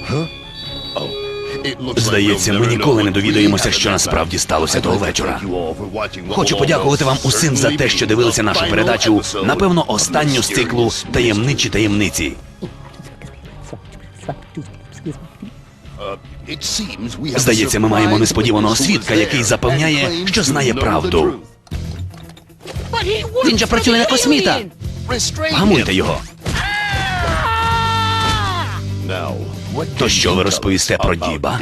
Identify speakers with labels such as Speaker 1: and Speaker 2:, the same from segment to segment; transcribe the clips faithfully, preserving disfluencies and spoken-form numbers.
Speaker 1: Здається, ми ніколи не довідаємося, що насправді сталося того вечора. Хочу подякувати вам усім за те, що дивилися нашу передачу, напевно, останню з циклу «Таємничі таємниці». Здається, ми маємо несподіваного свідка, який запевняє, що знає правду. Він же працює на косміта! Гамуйте його! То що ви розповісте про Діба?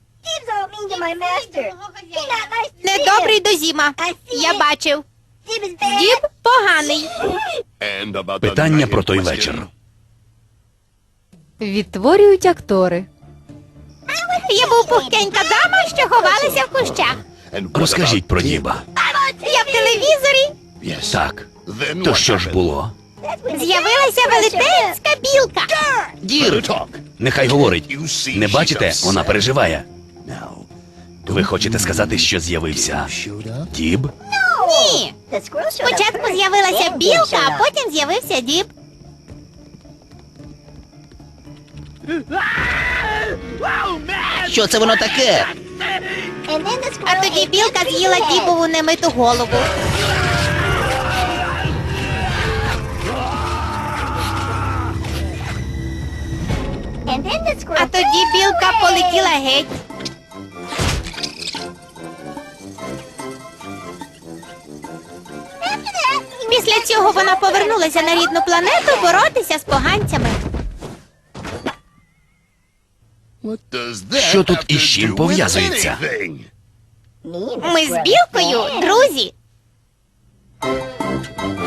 Speaker 2: Недобрий до Зіма. Я бачив. Діб поганий.
Speaker 1: Питання про той вечір.
Speaker 3: Відтворюють актори.
Speaker 2: Я був пухкенька дама, що ховалася в кущах.
Speaker 1: Розкажіть про Діба.
Speaker 2: Я в телевізорі.
Speaker 1: Так. То що ж було?
Speaker 2: З'явилася велетенська білка.
Speaker 1: Дір! Нехай говорить. Не бачите? Вона переживає. Ви хочете сказати, що з'явився Діб?
Speaker 2: Ні. Спочатку з'явилася білка, а потім з'явився Діб.
Speaker 4: Що це воно таке?
Speaker 2: А тоді білка з'їла Дібову немиту голову. А тоді білка полетіла геть. Після цього вона повернулася на рідну планету боротися з поганцями.
Speaker 1: Що тут із чим пов'язується?
Speaker 2: Ми з білкою друзі.